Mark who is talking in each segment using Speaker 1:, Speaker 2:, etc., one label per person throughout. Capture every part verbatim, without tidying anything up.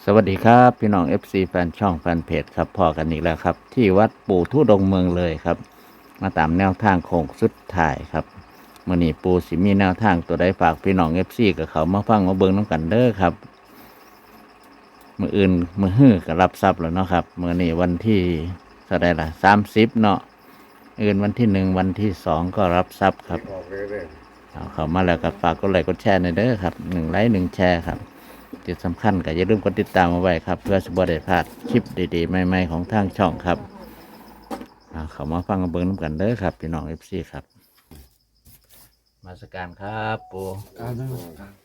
Speaker 1: วัสดีครับพี่น้อง เอฟ ซี แฟนช่องแฟนเพจครับพอกันอีกแล้วครับที่วัดปู่ทุดงค์เมืองเลยครับมาตามแนวทางโค้งสุดท้ายครับมื่อนี้ปู่สิมีแนวทางตัวใดฝากพี่น้อง เอฟ ซี กับเขามาฟังมาเบิ่งน้ำกันเด้อครับมืออื่นมือฮื้อก็รับทรัพย์แล้วเนาะครับมื่อนี้วันที่เท่าไรล่ะสามสิบเนาะอื่นวันที่หนึ่งวันที่สองก็รับทรัพย์ครับ
Speaker 2: ออกเลยเลย
Speaker 1: เอาเข้ามาแล้วก็ฝากกดไลค์กดแชร์ในอยเด้อครับหนึ่งไลค์หนึ่งแชร์ครับที่สำคัญก็อย่าลืมกดติดตามเอาไว้ครับเพื่อจะบ่ได้พลาดคลิปดีๆใหม่ๆของทางช่องครับเอาเข้ามาฟังกันเบิ่งน้ำกันเด้อครับพี่น้องเอฟซีครับมาสการครับปู
Speaker 2: อ่านั่น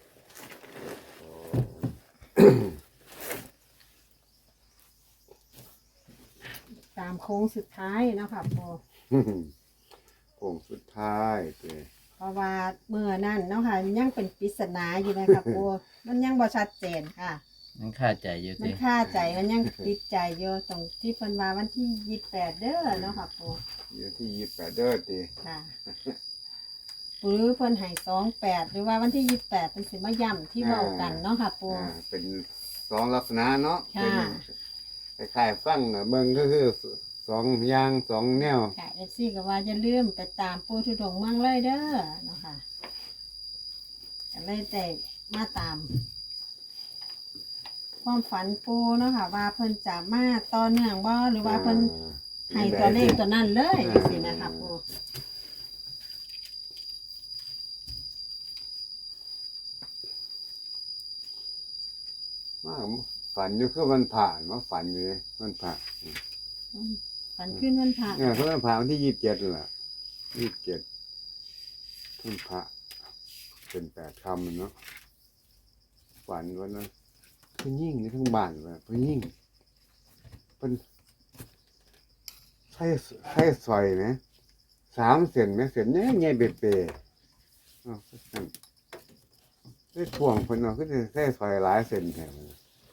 Speaker 3: ตามโค้งสุดท้ายเนาะค่ะปู
Speaker 2: โค้งสุดท้ายเต้
Speaker 3: เพราะว่าเมื่อนั่นเนาะค่ะยังเป็นปริศนาอยู่นะคะปูมันยังบ่ชัดเจนค่ะ
Speaker 1: ยังค่าใจอยู่
Speaker 3: มัน
Speaker 1: สิ
Speaker 3: ค่าใจมันยังติดใจอยู่ตรงที่เพิ่นว่าวันที่ยี่สิบแปดเด้อเนาะค่ะปู
Speaker 2: เดี๋ยวที่ยี่สิบแปดเด้อเต้
Speaker 3: ค่ะหรือเพิ่นให้สองแปดหรือว่าวันที่ยี่สิบแปดเป็นสิมาย่ำที่เว้ากันเนาะค่ะปู
Speaker 2: อ่าเป็นสองลักษณะเนาะ
Speaker 3: ค่ะ
Speaker 2: เป็นคล้ายๆฟังน่ะเบิ่งก็คือสองอย่างสองแนว
Speaker 3: ค่ะเอฟซีก็ว่าอย่าลืมไปตามปูทุดงค์เมืองเลยเด้อเนาะค่ะก็เลยแต่มาตาม ความฝันปูเนาะค่ะว่าเพิ่นจะมาต่อเนื่องบ่หรือว่าเพิ่นให้ตัวเลขตัวนั้นเลยจังซี่นะคะปู
Speaker 2: มาฝันอยู่คือมันผ่านมาฝันอยู่เลยมันผ่าน
Speaker 3: ฝันขึ้นวันพระ
Speaker 2: เนี่ยคือมันผ่านวันที่ยี่สิบเจ็ดแหละยี่สิบเจ็ดมันผ่าเป็นแปดคำเนาะฝันวันนั้นเพิ่นยิ่งในทั้งบ้านเลยเพิ่นยิ่งเพิ่นใช้ใช้ซอยไหมสามเส้นไหมเส้นเนี่ยใหญ่เบ็ดเปย์อ๋อนั่นได้ถ่วงเพิ่นเนาะคือสิใช้ซอยหลายเส้นแถม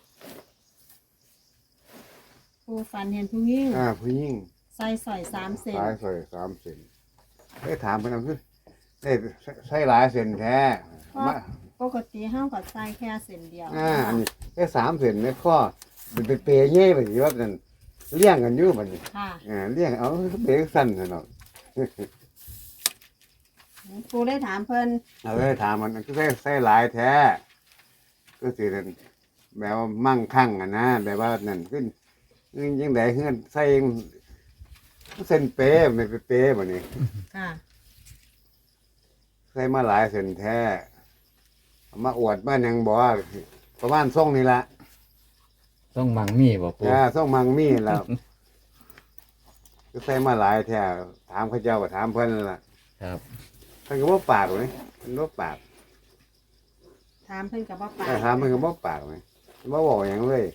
Speaker 3: ปูฝันเห็นผู้หญิง
Speaker 2: อ่าผู้ยิ่ง
Speaker 3: ใส่สร้อยสามเส้น
Speaker 2: หลายซอยสามเส้นได้ถามเพิ่นเอาคือได้ใช้หลายเส้นแท้
Speaker 3: เพราะ
Speaker 2: มา
Speaker 3: ปกติเฮาก็ใส่แค่เส้นเดียว
Speaker 2: อ่าอันนี้แค่สามเส้นในข้อเป็นเปรย์เย่ไปสิว่านั่นเลี้ยงกันอยู่บัดนี้
Speaker 3: ค่ะ
Speaker 2: อ่าเลี้ยงเอาเปรย์สั้นซะเนาะ
Speaker 3: ปูได้ถามเพิ่น
Speaker 2: เอาเลยถามมันก็ใส่ใส่หลายแท้ก็สินั่นแบบว่ามั่งคั่งอ่ะนะแบบว่านั่นขึ้นยังไดเฮือนใส่เส้นเปรย์ไม่เป็นเปรย์บัดนี้
Speaker 3: ค่ะ
Speaker 2: ใส่มาหลายเส้นแท้เอามาอวดบ้านยังบอกว่าประมาณส่งนี่ละ
Speaker 1: ต้องมังมีบ่ปู
Speaker 2: อ่าส่งมังมีแล้ว ก็ใส่มาหลายแท้ถามเขาเจ้าก็ถามเพิ่นนั่นล่ะ
Speaker 1: ครับ
Speaker 2: เพิ่นก็บ่ปากเลยเพิ่นบ่ปาก
Speaker 3: ถามเพิ่นก็บ่ปาก
Speaker 2: แต่ถามเพิ่นก็บ่ปากเลยบ่บอกหยังเลย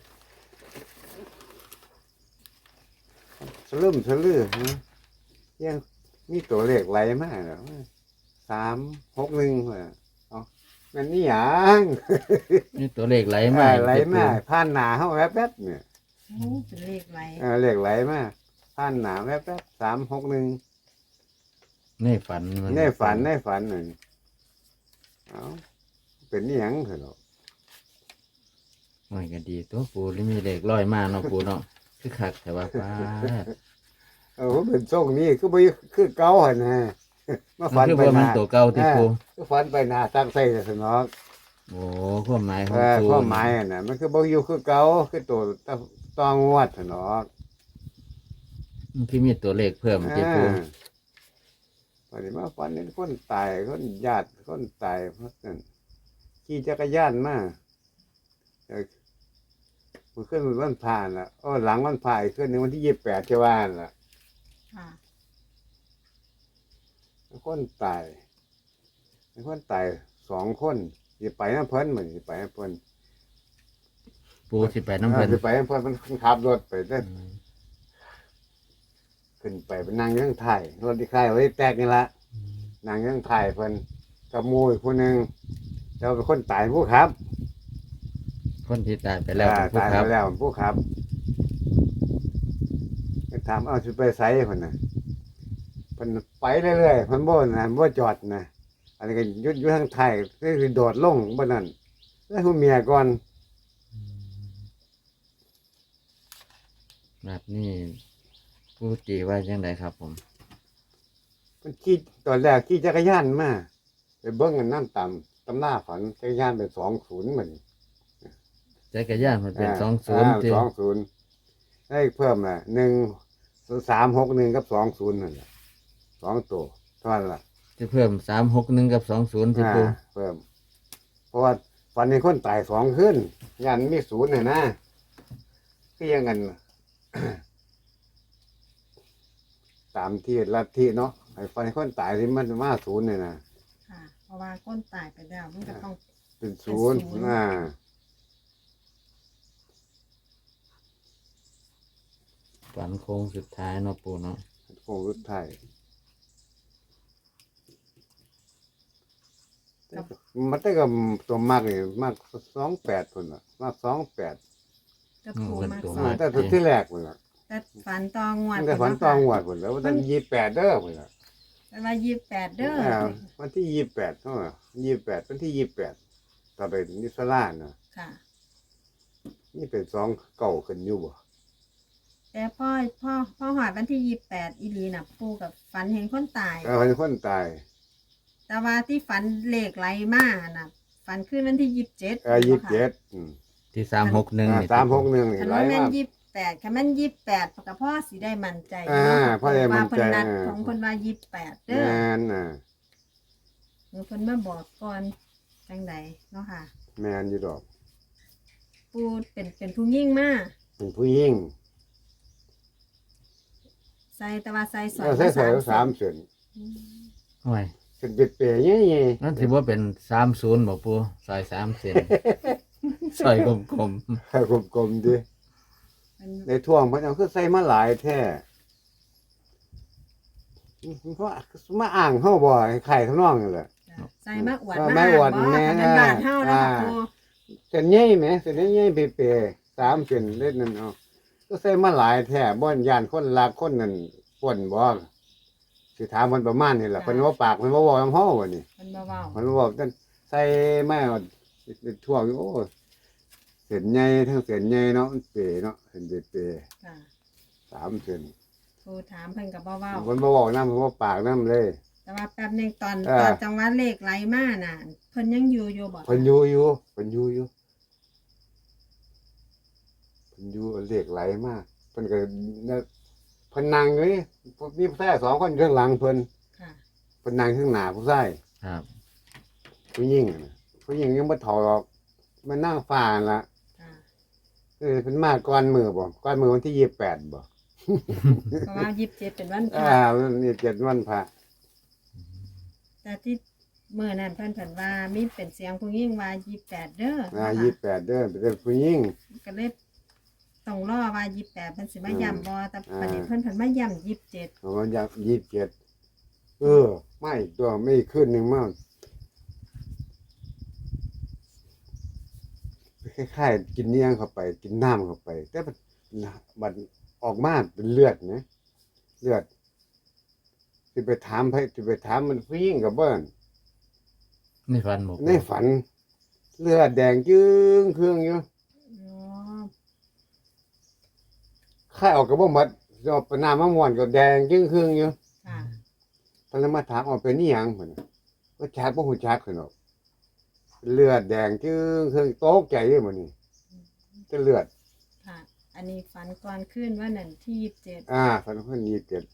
Speaker 2: สลืมสลือฮะยังมีตัวเลขไหลมาแล้วสามหกหนึ่งเหรอเอามันนี่หยัง
Speaker 1: นี่ตัวเลขไหลมา
Speaker 2: เออไหลมาผ่านหนาเฮาแวบๆเนี่ย
Speaker 3: โอ้เป็นเลขไร
Speaker 2: เออเลขไหลมาผ่านหนาแวบๆสามหกหนึ่ง
Speaker 1: ในฝันมั
Speaker 2: ในฝันในฝันหนึ่งเอาเป็นนี่ยังเถอะเนาะ
Speaker 1: มันก็ดีตัวปูหรือมีเลขลอยมาเนาะปูเนาะคือคักแต่ว่าฟ้า
Speaker 2: เออเป็นทรงนี้คือบ่คือเก่าหั่นนะมา
Speaker 1: มั
Speaker 2: ฝั
Speaker 1: น
Speaker 2: น
Speaker 1: คือ
Speaker 2: ไป
Speaker 1: ว่า
Speaker 2: ห
Speaker 1: มัน
Speaker 2: น้า
Speaker 1: ตัวเก่าที่ปู
Speaker 2: ก็ฝันไปหน้าตั้งใส่ซะเนาะ
Speaker 1: โอ้ความหมายข
Speaker 2: เอ
Speaker 1: อง
Speaker 2: อ
Speaker 1: ปู
Speaker 2: ความหมายน่ะมันคือบ่อยู่คือเก่าคือตัวตองวดเถอะเนาะ
Speaker 1: มันคือมีตัวเลขเพิ่มที่ปู
Speaker 2: วันนี้มาฝันเห็นคนตายคนญาติคนตายเพราะนั่นขี่จักรยานมาเออมันขึ้นวันผ่านละอ้อหลังวันผ่านขึ้นในวันที่ยี่สิบแปดเจ้าว่านละ
Speaker 3: ค่ะ
Speaker 2: คนตายคนตายสองคนสิไปน้ำเพิ่นเหมือนสิไปน้ำเพิ่น
Speaker 1: ปูสิไปน้ำเพิ่น
Speaker 2: สิไปน้ำเพิ่นมันขับรถไปได้
Speaker 1: อืม
Speaker 2: ขึ้นไปไปนั่งยังถ่ายรถที่ค่ายไว้แตกนี่ละนั่งยังถ่ายเพิ่นกับหมูอีกคนหนึ่งเราเป็นคนตายผู้ครับ
Speaker 1: คนที่ตายไปแล้ว
Speaker 2: อ่า
Speaker 1: เป็นผู้
Speaker 2: ตาย
Speaker 1: ค
Speaker 2: ไป
Speaker 1: รับ
Speaker 2: แล้วผู้ครับถามเอาชุดไปไซส์คนน่ะเพิ่นไปเรื่อยๆเพิ่นบ่นะบ่จอดนะอันนี้ก็อยุดอยู่ทางไทายก็คือโดดลงบ่นั่นแล้วผู้เมียก่อน
Speaker 1: แบบนี้ปูตีว่าจังไดครับผม
Speaker 2: มันขี่ตอนแรกขี่จักรยานมาไปเบิ้งกันน้ำต่ำตำหน้าฝันจักรยานเป็นสองศูนย์เหมือน
Speaker 1: จักรยานมันเป็นสองศูนย์
Speaker 2: สองศูนย์ได้เพิ่มอ่ะหนึ่งสามหกหนึ่งกับสองศูนย์นั่นแหละสองตัวเท่านั้นละ
Speaker 1: จะเพิ่มสามหกหนึ่งกับสองศูนย์ที่
Speaker 2: อ่า
Speaker 1: ปู
Speaker 2: เพิ่ม เพราะว่าฝันในคนตายสองขึ้นยันมีศูนย์น่ะนะคือยังไง ตามที่ลัทธิเนาะไอ้ฝันในคนตายที่มันมาศูนย์เนี่ยนะ
Speaker 3: ค่ะ เพราะว่าก้นตายไปแล้วมันก็ต้อง
Speaker 2: เป็นศูนย์
Speaker 3: เป็นศูนย์
Speaker 2: อ่า
Speaker 1: ฝันโค้งสุดท้ายเนาะปูเนาะ
Speaker 2: โค้งสุดท้ายมันได้กับตัวมากเลยมากสองแปดคนละมากสองแปด
Speaker 3: กระปูมากสอ
Speaker 2: มาง แต่ตัวที่แรกคนละ
Speaker 3: แต่ฝันตองงวด
Speaker 2: มันได้ฝันตองหวดคนแล้ววันที่ยี่แปดเด้อคนละ
Speaker 3: แต่ว่ายี่สิบแปดเด้อ
Speaker 2: อ่าวันที่ยี่แปดเท่าไหร่ยี่แปดวันที่ยี่แปดต่อไปนิสลาเนาะ
Speaker 3: ค่ะ
Speaker 2: นี่เป็นสองเก่าขึ้นอยู่บ่
Speaker 3: แต่พ่อพ่อพ่อหอดวันที่ยี่สิบแปดอีหลีน่ะปูกับฝันเห็นคนตาย
Speaker 2: แต่คนคนตาย
Speaker 3: แต่ว่าที่ฝันเลขไหลมาน่ะฝันขึ้นวันที่ยี่สิบเจ็ด
Speaker 2: เออยี่สิบเจ็ดอืม
Speaker 1: ที่สามหกหนึ่ง
Speaker 2: อ่าสามหกหนึ่งนี่
Speaker 3: คัน
Speaker 2: ไร
Speaker 3: ว่าแม่น
Speaker 2: มาก
Speaker 3: ยี่สิบแปดคันแม่นยี่สิบแปดกับพ่อสิได้มั่นใจ
Speaker 2: อ่า
Speaker 3: เนาะ
Speaker 2: พ่อได้มั่นใจ
Speaker 3: ว่าเพิ่นนัด
Speaker 2: อ่า
Speaker 3: ของเพิ่นว่ายี่สิบแปดเด้
Speaker 2: แม
Speaker 3: อน
Speaker 2: น่ะ
Speaker 3: หรือเพิ่นมาบอกก่อนจังใดเนาะค่ะ
Speaker 2: แมนอยู่ดอก
Speaker 3: ปูเป็นเป็นผู้ยิ่งมาก
Speaker 2: เป็นผู้หญิง
Speaker 3: ใส่แต่ว่าใส่สอ
Speaker 2: แล้วใส่ใส่สามเส้น
Speaker 3: อืม
Speaker 1: โอ้ย
Speaker 2: เป็นเปเปย์ๆยี่ยี่
Speaker 1: นั่นถือว่าเป็นสามศูนย์บอกปูซอยสามเซน ซอยกลม
Speaker 2: ให้กลมๆดิ
Speaker 3: มัน
Speaker 2: ในท่วงเพิ่นเอาคือใส่มาหลายแท้เพราะมาอ่างเฮาบ่ให้ไข่ข้างนอกนี่แหละ
Speaker 3: จ้ะใส่มาอวด
Speaker 2: เออ
Speaker 3: มา
Speaker 2: มาอวด
Speaker 3: บ่
Speaker 2: แม่
Speaker 3: คันเป็นบาทเฮาแล้วค่ะ
Speaker 2: อ่า
Speaker 3: ปู
Speaker 2: เส้นใหญ่ไหมเส้นใหญ่ๆเปเปย์ๆสามเส้นเล็ดนั่นเอาก็ใส่มาหลายแท้บ่อนย่านคนรักคนนั่นป่นบ่สิถามมันประมาณนี้แหละเพิ่นว่าปากเพิ่นบ่เว้านำเฮาว่านี่
Speaker 3: เพิ่นบ่เว้า
Speaker 2: เพิ่นบอกจังใส่มาเป็นท่วงอยู่โอ้เส้นใหญ่ทั้งเส้นใหญ่เนาะมันเปเนาะเส้นเปย์
Speaker 3: ค่ะ
Speaker 2: ๆสามเส้น
Speaker 3: ปูถามเพิ่นก็บ่เว้า
Speaker 2: เพิ่นบ่เว้านำเพิ่นว่าปากนำเลย
Speaker 3: แต่ว่าแป๊บหนึงตอน
Speaker 2: เออ
Speaker 3: ตอนจังหวะเลขไหลมาน่ะเพิ่นยังอยู่อยู่บ่
Speaker 2: เพิ่นอยู่อยู่เพิ่นอยู่อยู่เพิ่นอยู่เลขไหลมากเพิ่นก็เนี่ยเพิ่นนั่งอยู่นี่มีผู้ชายสองคนอยู่ข้างหลังเพิ่น
Speaker 3: ค่ะ
Speaker 2: เพิ่นนั่งข้างหน้าผู้ชาย
Speaker 1: ๆครับ
Speaker 2: ผู้หญิงน่ะผู้หญิงยังบ่ถอดออกมันนั่งฟ้านั่นล่ะ
Speaker 3: ค่ะ
Speaker 2: เออเพิ่นมาก่อนมือบ่ก่อนมือวันที่ยี่สิบแปดบ่
Speaker 3: เพราะว่ายี่สิบเจ็ดเป็นวันพ
Speaker 2: อ่า
Speaker 3: ระ
Speaker 2: นี่เจ็ดวันพระ
Speaker 3: แต่ที่เมื่อนั้นเพิ่นเพิ่นว่ามีเป็นเสียงผู้หญิงว่ายี่สิบแปดเด้อ
Speaker 2: อ่า
Speaker 3: นะคะ
Speaker 2: ยี่สิบแปดเด้อเป็นผู้หญิง
Speaker 3: ก็เลยต้องรอว่ายี่สิบแปดเพิ่นสิมาย้ำบ่แต่
Speaker 2: อ่า
Speaker 3: ประเด็นเพิ่นเพิ่นมาย้ำยี่สิบเจ็ด
Speaker 2: ประมาณยี่สิบเจ็ดเออไม่ตัวไม่ขึ้นหนึงมาคล้ายๆกินเนียงเข้าไป กินน้ำเข้าไป แต่มันมันออกมาเป็นเลือดนะเลือดสิไปถามไปสิไปถามมันผู้หญิงกับเบิ้น
Speaker 1: นี่ฝันบอก
Speaker 2: ในฝัน เลือดแดงจึ้งเครื่องอยู่
Speaker 3: อ๋อ
Speaker 2: ค่ายออกกับบ่หมดเอาไปน้ำมะม่วนก็แดงจึ้งเครื่องอยู่
Speaker 3: ค่ะ
Speaker 2: ตอนนั้นมาถามเอาเป็นนี่ยังเพิ่นน่ะว่าชักบ่ฮู้จักเพิ่นหรอกเลือดแดงจึ้งเครื่องตกใจเลยมื้อนี้จะเลือด
Speaker 3: ค่ะ อันนี้ฝันก่อนขึ้นว่านั่นที่ยี่สิบเจ็ด
Speaker 2: อ่าฝันเพิ่นยี่สิบเจ็ด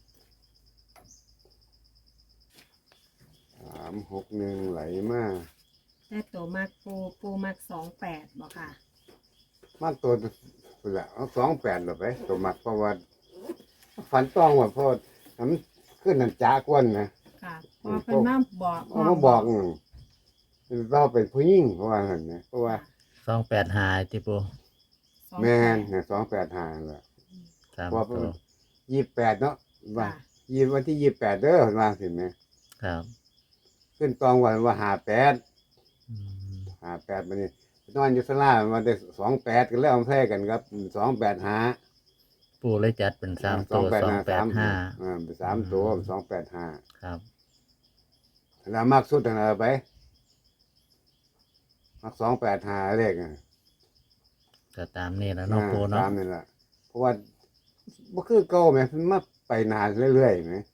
Speaker 2: สามหกหนึ่งไหลมา
Speaker 3: แต่ตัวมากปูปูมากสองแปดบ่ค่ะ
Speaker 2: มาตัวพุ่นละเอาสองแปดหรอไปตัวมักเพราะว่าฝันต้องว่าเพราะมันขึ้นนั่นจากวนนะ
Speaker 3: ค่ะพอเพิ่นมาบอก
Speaker 2: เอามาบอกอืมเราเป็นผู้หญิงเพราะว่าหั่นนะเพราะว่า
Speaker 1: สองแปดหายที่ปู
Speaker 3: สอง
Speaker 2: แม่น
Speaker 3: ปด
Speaker 2: เนี่ยสองแปดห้าแหละ
Speaker 1: สาม
Speaker 2: เพราะ
Speaker 1: ตัว
Speaker 2: ยี่สิบแปดเนาะว่า
Speaker 3: ค่ะ
Speaker 2: ยี่วันที่ยี่สิบแปดเด้อเห็นว่าเห็นไหม
Speaker 1: ครับ
Speaker 2: ขึ้นตองวันว่าหาแปด
Speaker 1: อืม
Speaker 2: หาแปดมันนี่นอนอยู่สลามาได้สองแปดกันแล้วเอาแพ้กันครับสองแปดหา
Speaker 1: ปูเลยจัดเป็นสามตัวสองแปดห้า
Speaker 2: อ่าเป็นสามตัวสองแปดห้า
Speaker 1: ครับ
Speaker 2: แล้วมากสุดอะไรไปมักสองแปดห้าเลขอ่ะ
Speaker 1: ก็ตามนี่แล้วเนาะปูเนาะ
Speaker 2: ตามนี่แหละเพราะว่าบ่คือเก่าแหมมันมาไปนานเรื่อยๆไหม